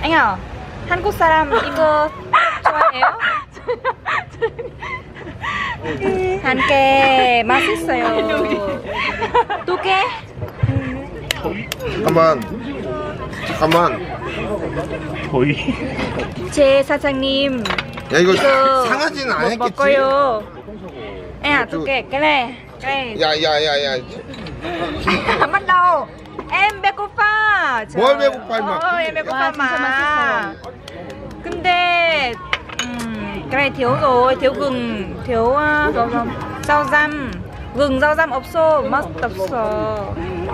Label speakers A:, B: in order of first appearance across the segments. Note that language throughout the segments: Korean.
A: Anh à, 한국 사람 이거 좋아해요? 한 개 맛있어요. 두 개?
B: 잠깐만.
C: 거의.
A: 제 사장님
B: 야 이거
A: 이거
B: 상하지는
A: 뭐
B: 않았겠지?
A: 먹어요. À, 두 개. cái này.
B: 야야야야.
A: Bắt đầu. Em 배고파.
B: 뭘 배고파 임마.
A: em 배고파 mà. 근데 cái này thiếu rồi, thiếu gừng, thiếu rau răm. Gừng rau răm 없어. 맛 없어.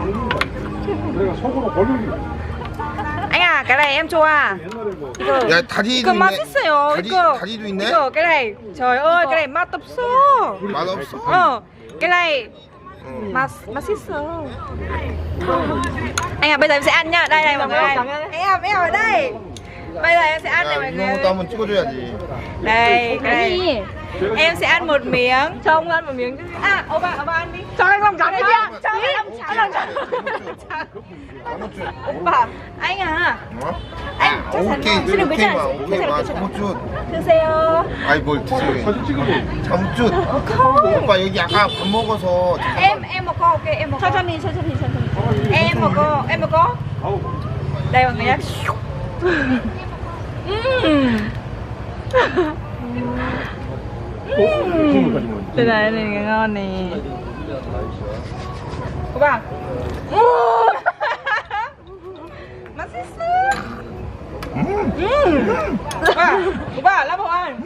A: Anh à, cái này em cho à? 이거,
B: 야 다리도
A: 이거
B: 있네.
A: 맛있어요.
B: 다리도 있네.
A: 이거 cái này. Trời ơi, cái này 맛 없어.
B: 맛없어.
A: Cái này 맛있어. Anh à, bây giờ em sẽ ăn nhá. Đây này mọi người. Em ở đây. Bây giờ em sẽ ăn này mọi
B: 이런 것도
A: người.
B: 한번 찍어줘야지.
A: Đây, cái này. Em sẽ ăn một miếng. Cho ông ăn một miếng chứ. À, ông bà ăn đi. Cho anh lòng trắng chưa? Cho anh lòng trắng. 오빠, anh à. anh chắc chắn ngon. Xin đừng với chàng.
B: 오케이 잠옷줄.
A: 드세요.
B: 아이 뭘 드세요? 잠옷줄. 오빠 여기 아까 밥 먹어서.
A: Em một cô, ok, em một cô. 천천히. Em một cô. Đây mọi người nhé. Đây này ngon nè. 오빠. 맛있어. 오빠 라보 안.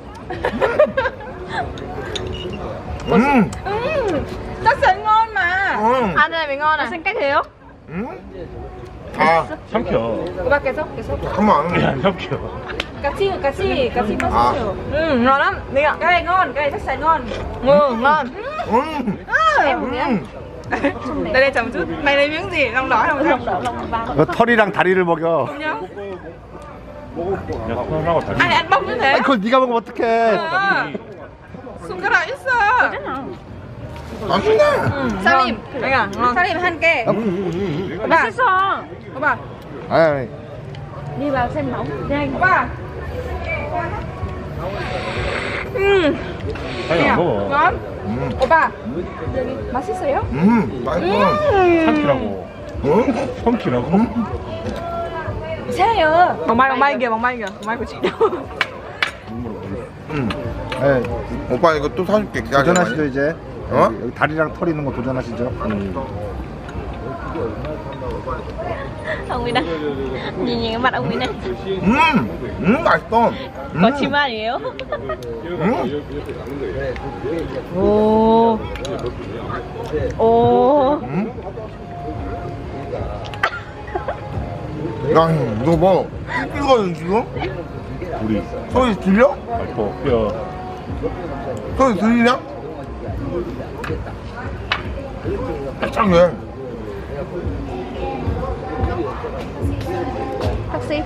A: Chắc chắn ngon mà. Ăn này mới ngon à? Xanh cách thế không?
B: 아
C: 삼켜.
A: 오빠 계속.
B: 잠깐만.
C: 안 삼켜.
A: Cá chi 맛있어요. Ngon lắm. Cái này ngon, cái này chắc chắn ngon. Ngon. Em một miếng. Đây chồng chút. Mày lấy miếng gì? Lòng đỏ hay lòng vàng?
D: 너 털이랑 다리를 먹여.
A: Không nhá.
C: 야, 손하고 다리.
A: Ai ăn bông như thế?
D: 아니 그걸 네가 먹으면 어떡해.
A: 손가락 있어.
B: 맛있네.
A: 사림. 사림 한 개. 맛있어. 오빠.
D: 아니.
A: Đi vào xem nóng. Nhanh. 오빠.
C: 아니, 안 먹어.
A: ngon. 오빠. 맛있어요?
B: 맛있어.
C: 삼키라고. 삼키라고?
A: 이상해요.
E: Vòng bay kìa, vòng bay của chị đâu.
D: 네,
B: 오빠 이거 또 사줄게. 기다려.
D: 도전하시죠 이제.
B: 어?
D: 여기 다리랑 털 있는 거 도전하시죠.
E: Ông ấy đây. Nhìn cái mặt ông ấy này.
B: 맛있어.
E: Có chim 아니에요?
A: 오. 오.
B: 야, 이거 뭐 이거거든 지금?
C: 우리
B: 소리 들려?
C: 뼈.
B: 소리 들리냐? 깜짝이야.
A: Taxi.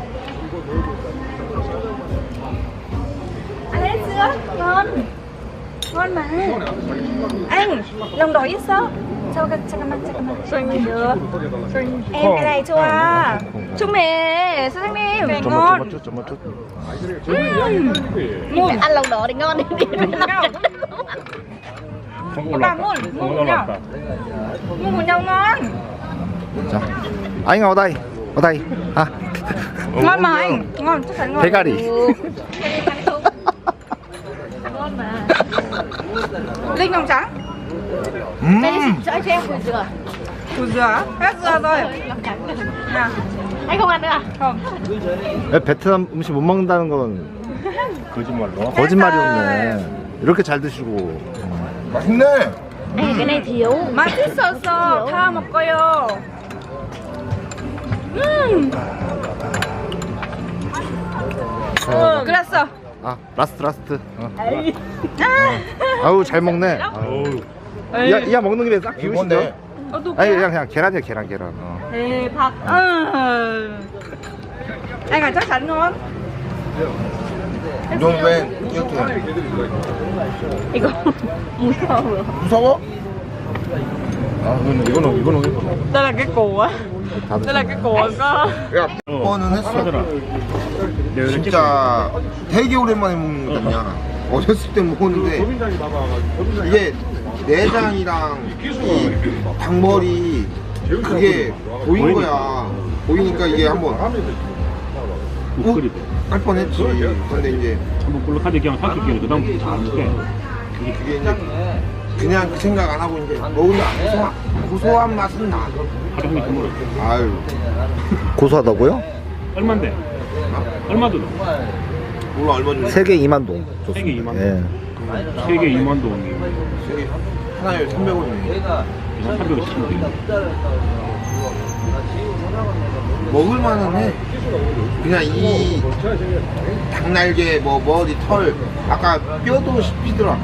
A: Anh hết chưa? Ngon. Ngon mà. Anh, lòng đỏ ít sao? 잠깐만. được. Em cái này 좋아. 좀 해, 사장님. ngon.
E: Ăn lòng đỏ thì ngon đi.
A: 오빠 물 nhau ngon.
D: 자, 아잉아 어다이. 아,
A: Ngon mà anh. Ngon, chắc chắn ngon.
D: 대가리.
A: Ngon mà. Linh lòng trắng.
E: Cho em củ dừa.
A: Củ dừa. Hết dừa rồi. Nào.
E: Anh không ăn nữa à?
A: Không.
D: 왜 베트남 음식 못 먹는다는 건
C: 거짓말로.
D: 거짓말이었네. 이렇게 잘 드시고.
B: 맛있네.
E: Cái này thiếu.
A: 맛있었어. 다 먹어요. 그랬어.
D: 아, 라스트. 아우 잘 먹네.
C: 어우.
D: 야 먹는 김에 싹 비우시죠.
B: 이건데.
D: 아니 그냥 계란이야 계란.
A: 대박. Anh à, chắc chắn ngon.
B: 넌 왜 이렇게
E: Igo. Musaw.
B: 무서워?
C: 아, 이거는.
E: Đây là cái củ á.
D: 다
E: Đây là cái củ có.
B: 야, 뻔은 했어.
C: 하더라.
B: 진짜 되게 오랜만에 먹는 거잖냐. 어렸을 때 먹었는데 이게 내장이랑 이 닭머리 그게 보인 거야. 보이니까 이게 한번
C: 우크리도.
B: 할 뻔했지. 근데 이제
C: 한번 볼록하게 그냥 삼키기는 그다음부터 잘 먹게.
B: 그게 이제 그냥 그 생각 안 하고 이제 먹으면 고소한 맛은 나.
C: 하루 종일 먹어.
B: 아유.
D: 고소하다고요?
C: 얼마인데? 얼마도?
B: 몰라 얼마 줬는데.
D: 세개 2만 동.
C: 세개 2만 동.
D: 예.
C: 3개 2만 동.
B: 하나에 300원이네.
C: 310원.
B: 먹을만은 해. 그냥 이 닭날개 뭐 머리 털 아까 뼈도 씹히더라.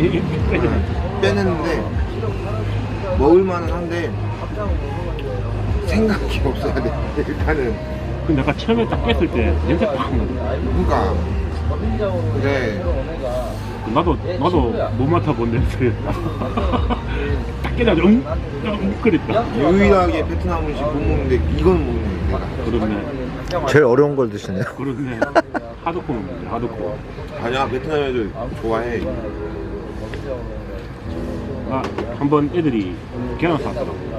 B: 빼냈는데 먹을만은 한데 생각이 없어야 돼. 일단은
C: 근데 아까 처음에 딱 깼을 때 냄새 팍 나더라.
B: 그러니까 그래.
C: 나도 못 맡아본 냄새. 딱 깨자마자 그랬다.
B: 유일하게 베트남 음식 못 먹는데 이건 먹네. 내가.
C: 그렇네.
D: 제일 어려운 걸 드시네요.
C: 그렇네. 하드코어 먹는데 하드코어.
B: 아니야 베트남 애들 좋아해.
C: 아, 한번 애들이 계란 샀더라고.